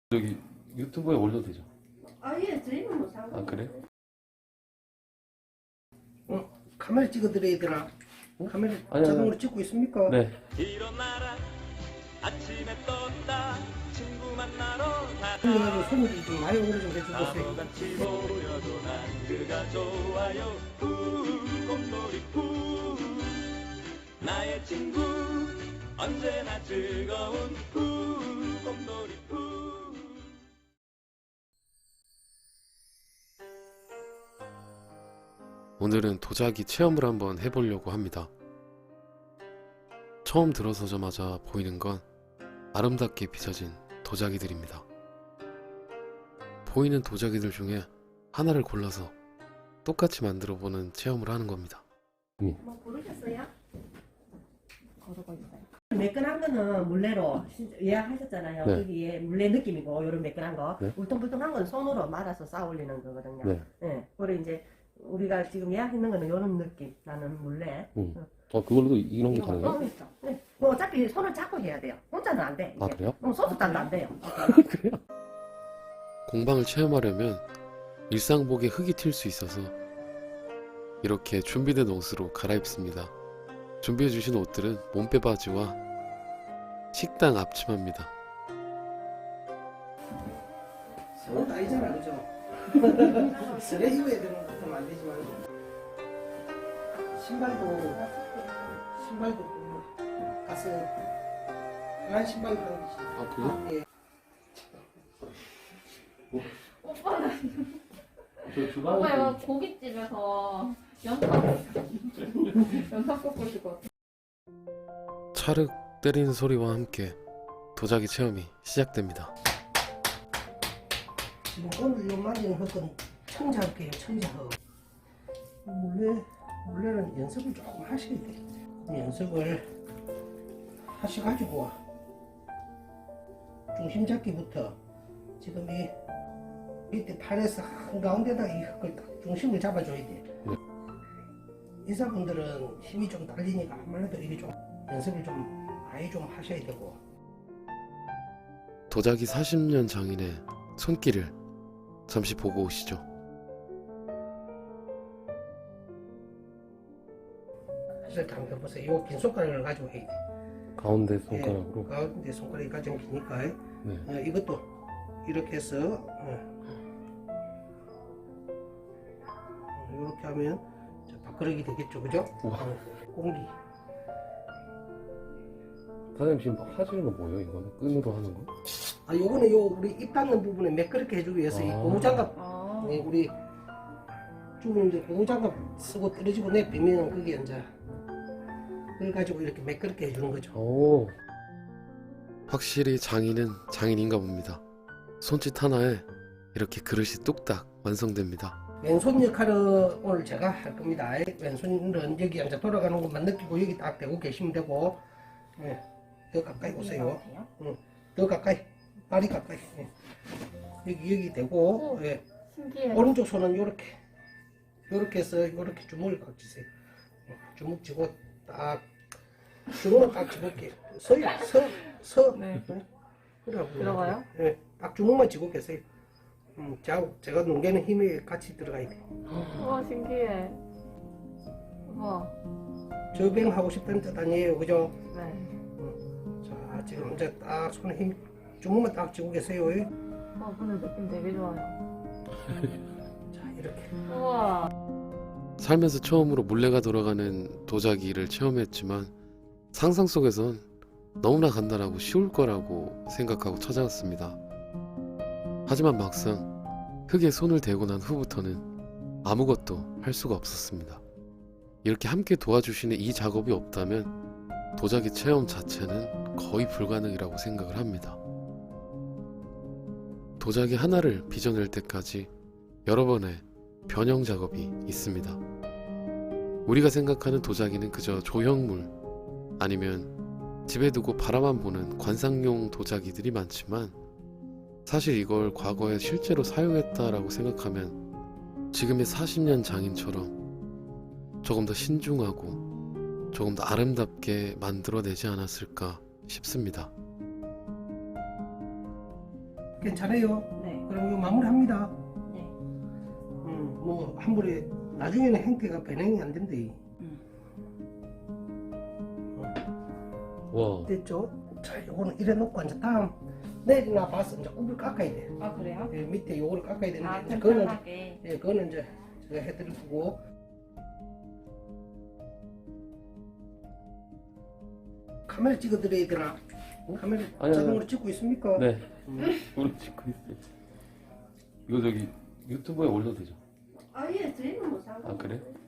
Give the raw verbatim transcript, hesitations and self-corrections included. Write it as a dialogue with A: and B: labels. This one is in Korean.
A: 여기 유튜브에 올려도 되죠?
B: 아예 저희는 뭐 상관.
A: 아 그래?
C: 어, 카메라 찍어드려야 되나? 카메라
A: 아니,
C: 자동으로
A: 아니.
C: 찍고 있습니까?
A: 네.
D: 일어나라 아침에 떴다 친구 만나러
C: 그래가지고 손님들이 좀 많이 오래 좀 해주세요.
D: 바보같이 보여도 난 그가 좋아요 후 곰돌이 후 나의 친구 언제나 즐거운 후 곰돌이 후.
E: 오늘은 도자기 체험을 한번 해보려고 합니다. 처음 들어서자마자 보이는 건 아름답게 빚어진 도자기들입니다. 보이는 도자기들 중에 하나를 골라서 똑같이 만들어보는 체험을 하는 겁니다.
B: 뭐 고르셨어요?
F: 거르고 있어요.
B: 매끈한 거는 물레로 신- 예약하셨잖아요.
A: 네.
B: 여기에 물레 느낌이고 요런 매끈한 거.
A: 네.
B: 울퉁불퉁한 건 손으로 말아서 쌓아 올리는 거거든요.
A: 네.
B: 네. 그리고 이제 우리가 지금 예약했는 거는 요런 느낌 나는 물레.
A: 음. 어 그걸로도 이런 게 가능해요?
B: 어, 있어. 네. 뭐 어차피 손을 잡고 해야 돼요. 혼자는 안 돼.
A: 아
B: 이게.
A: 그래요?
B: 어, 소수단도 안 돼요.
A: 그래요?
E: 공방을 체험하려면 일상복에 흙이 튈 수 있어서 이렇게 준비된 옷으로 갈아입습니다. 준비해주신 옷들은 몸빼 바지와 식당 앞치마입니다.
C: 저건 아니잖아, 그죠? 쓰레 입어야 되는 것도 안 되지만 신발도 신발도 그 가서 편한 신발 그런 게
A: 아 그래요?
C: 예.
A: 저 주방에
F: 오빠요 고깃집에서 연탄 연탄 꽂고 있을 것 같아.
E: 찰흙 때리는 소리와 함께 도자기 체험이 시작됩니다.
C: 지금 오늘 요 만드는 흙은 청자흙이에요, 청자흙. 원래 원래는 연습을 조금 하셔야 돼. 연습을 하셔가지고 중심 잡기부터 지금 이 밑에 팔에서 한가운데다 이 흙을 딱 중심을 잡아줘야 돼.
A: 네.
C: 인사분들은 힘이 좀 딸리니까 아무래도 이게 좀 연습을 좀 많이 좀 하셔야 되고.
E: 도자기 사십 년 장인의 손길을 잠시 보고 오시죠.
C: 이렇게 한번 보세요. 요 긴 손가락을 가지고 해야 돼.
A: 가운데 손가락으로.
C: 예, 가운데 손가락이 가장 기니까
A: 네.
C: 어, 이것도 이렇게 해서 어, 이렇게 하면 자, 밥그릇이 되겠죠, 그죠?
A: 우와.
C: 어, 공기.
A: 사장님 지금 하시는 거 뭐예요? 이거는 끈으로 하는 거?
C: 아, 요거는 요 우리 입 닫는 부분에 매끄럽게 해주기 위해서 이
A: 아.
C: 고무장갑,
F: 아,
C: 예, 우리 주민들 고무장갑 쓰고 떨어지고 내비면 그게 이제 그걸 가지고 이렇게 매끄럽게 해주는 거죠.
A: 오.
E: 확실히 장인은 장인인가 봅니다. 손짓 하나에 이렇게 그릇이 뚝딱 완성됩니다.
C: 왼손 역할은 오늘 제가 할 겁니다. 왼손은 여기 앉아 돌아가는 것만 느끼고 여기 딱 대고 계시면 되고, 예, 더 가까이 오세요. 응, 더 가까이, 발이 가까이. 예. 여기 여기 대고,
F: 오.
C: 예.
F: 신기해.
C: 오른쪽 손은 요렇게, 요렇게 해서 요렇게 주먹을 꽉 쥐세요. 예, 주먹 쥐고 딱 주먹을 딱 쥐고 서요, 서, 서.
F: 네.
C: 그러고
F: 들어가요?
C: 예, 딱 주먹만 쥐고 계세요. 음, 자, 제가 넘기는 힘이 같이 들어가야 돼.
F: 우와 신기해. 우와.
C: 저병 하고 싶다는 뜻 아니에요, 그죠?
F: 네.
C: 자, 지금 이제 딱 손에 힘 주먹만 딱 쥐고 계세요.
F: 아 근데 느낌 되게 좋아요.
C: 자, 이렇게.
F: 우와.
E: 살면서 처음으로 물레가 돌아가는 도자기를 체험했지만 상상 속에선 너무나 간단하고 쉬울 거라고 생각하고 찾아왔습니다. 하지만 막상 흙에 손을 대고 난 후부터는 아무것도 할 수가 없었습니다. 이렇게 함께 도와주시는 이 작업이 없다면 도자기 체험 자체는 거의 불가능이라고 생각을 합니다. 도자기 하나를 빚어낼 때까지 여러 번의 변형 작업이 있습니다. 우리가 생각하는 도자기는 그저 조형물 아니면 집에 두고 바라만 보는 관상용 도자기들이 많지만 사실 이걸 과거에 실제로 사용했다라고 생각하면 지금의 사십 년 장인처럼 조금 더 신중하고 조금 더 아름답게 만들어내지 않았을까 싶습니다.
C: 괜찮아요?
F: 네.
C: 그럼 이거 마무리합니다.
F: 네.
C: 음, 뭐 한 번에 나중에는 형태가 변형이 안 된대.
E: 와,
C: 됐죠? 자, 요거는 이래 놓고 이제 다음 내리나 봐서 이제 굽을 깎아야 돼.
F: 아 그래요?
C: 예, 밑에 요거를 깎아야 되는데
F: 아
C: 이제 그거는
F: 튼튼하게.
C: 예, 그거는 이제 제가 해드릴 거고. 카메라 찍어드려야 되나? 카메라
A: 아니요,
C: 자동으로
A: 아니요.
C: 찍고 있습니까?
A: 네.
C: 음.
A: 우리 찍고 있어요. 이거 저기 유튜브에 올려도 되죠?
B: 아예 저희는 뭐 상관.
A: 아 그래?